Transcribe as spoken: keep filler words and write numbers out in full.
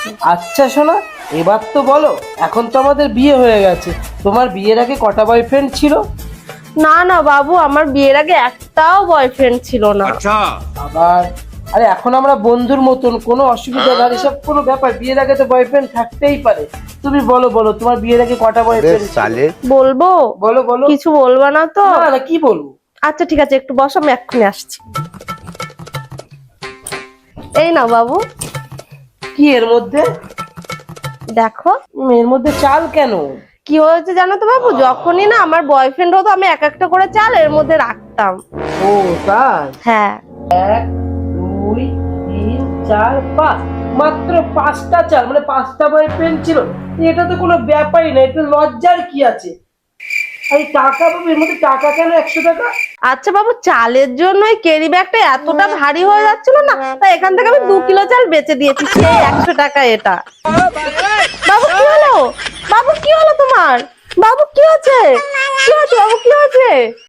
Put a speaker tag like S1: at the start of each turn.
S1: আচ্ছা শোনা, এবার তো বলো, এখন তো আমাদের বিয়ে হয়ে গেছে, তোমার বিয়ের আগে কটা বয়ফ্রেন্ড ছিল?
S2: না না বাবু, আমার বিয়ের আগে একটাও বয়ফ্রেন্ড ছিল না।
S1: আবার আরে এখন আমরা বন্ধুর মতন, কোনো অসুবিধা না, এসব কোনো ব্যাপার, বিয়ের আগে তো বয়ফ্রেন্ড থাকতেই পারে। তুমি বলো বলো তোমার বিয়ের আগে কটা বয়ফ্রেন্ড ছিল?
S2: বলবো?
S1: বলো বলো।
S2: কিছু বলবা না তো?
S1: না না, কি বলবো?
S2: আচ্ছা ঠিক আছে, একটু বসো, আমি এক্ষুনি আসছি। এই না বাবু।
S1: কি এর মধ্যে?
S2: দেখো।
S1: উম, এর মধ্যে চাল কেন?
S2: কি হয়েছে জানো তো বাবু, যখনই না আমার বয়ফ্রেন্ড হতো আমি এক একটা করে চাল এর মধ্যে রাখতাম।
S1: ও তাই?
S2: হ্যাঁ।
S1: এক, দুই, তিন, চার, পাঁচ, মাত্র পাঁচটা চাল, মানে পাঁচটা বয়ফ্রেন্ড ছিল? এটা তো কোনো ব্যাপারই না, এটা লজ্জার কি আছে? এই টাকা বাবু, এর মধ্যে টাকা কেন একশো টাকা?
S2: আচ্ছা বাবু, চালের জন্য ওই ক্যারি ব্যাগটা এতটা ভারী হয়ে যাচ্ছিল না, তাই এখান থেকে আমি দু কিলো চাল বেচে দিয়েছি, সেই একশো টাকা এটা। বাবু কি হলো? বাবু কি হলো তোমার? বাবু কি হচ্ছে? কি হচ্ছে বাবু, কি হচ্ছে?